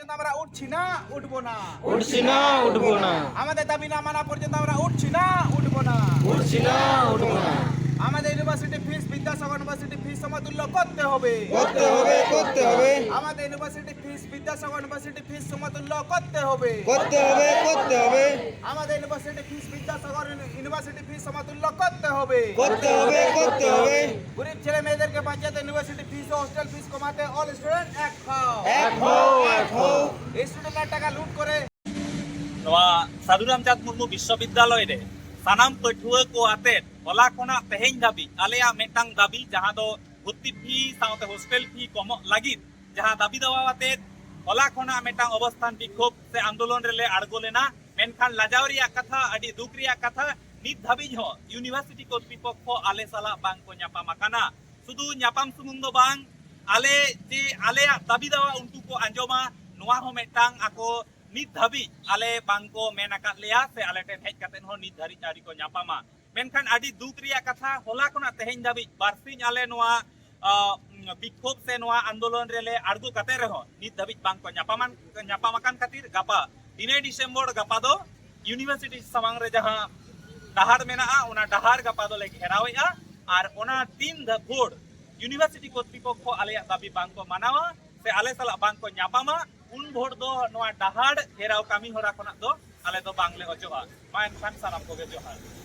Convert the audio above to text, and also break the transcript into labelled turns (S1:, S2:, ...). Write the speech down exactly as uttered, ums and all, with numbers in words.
S1: পর্যন্ত আমরা উঠছি না উঠবো না
S2: উঠছি না উঠবো না
S1: আমাদের দাবি না মানা পর্যন্ত আমরা উঠছি না উঠবো না
S2: উঠছি না উঠবো না
S1: আমাদের university fees Vidyasagar university fees সমতুল্য করতে হবে
S2: করতে হবে করতে হবে
S1: আমাদের university fees Vidyasagar university fees সমতুল্য করতে হবে
S2: করতে হবে করতে হবে
S1: আমাদের university fees Vidyasagar university fees সমতুল্য করতে হবে
S2: করতে হবে করতে হবে
S1: গরিব ছেলে মেয়েদেরকে বাঁচাতে ইউনিভার্সিটি ফিস ও হোস্টেল ফিস কমাতে অল স্টুডেন্ট এক হও
S2: এক হও এক হও
S1: এই স্টুডেন্টের টাকা লুট করে
S3: साधु रामचंद मुर्मू विश्वविद्यालय रे सानाम पठुआ को आते होला खोना तेहें दाबी आलेया मेटांग दाबी जहां दो भर्ती फी साउते हॉस्टल फी कम लगी जहां दाबी दवा आते होला खोना मेटांग अवस्थान विक्षोभ से आंदोलन रे ले आड़गो लेना मेनखान लाजावरिया कथा अडी दुकरिया कथा नित धाबी हो यूनिवर्सिटी कर्तृपक्ष आले साला बांग को ᱧᱟᱯᱟᱢᱟᱠᱟᱱᱟ सुदु ᱧᱟᱯᱟᱢ सुमुंग दो बांग आले जे आलेया दाबी दवा उनकु को आंजोमा नोआ हो मेटांग आको नित धाबी आले बांको मेन आकाद लेया से आले टेन हेज कातेन हो नित धारी आरी को ᱧᱟᱯᱟᱢᱟ मेनखान आडी दुख रिया कथा होला कोना तेहें धाबी बारसिन आले नोआ विक्षोभ से नोआ आंदोलन रेले आड़गो काते रहो नित धाबी बांको ᱧᱟᱯᱟमान ᱧᱟᱯᱟमाकान खातिर गापा तीन डिसेम्बर गापा दो यूनिवर्सिटी समांग रे जहां डहार मेना ओना डहार गापा दो ले घेरावेआ आर ओना तीन भोर यूनिवर्सिटी कर्तृपक्ष आलेया दाबी बांको मानावा से आले साला बांको ᱧᱟᱯᱟमा उन भोर दो नोआ डहार घेराव कामी होरा खोना दो आले दो बांगले अजोआ मा एनखान सानाम कोगे जोहार।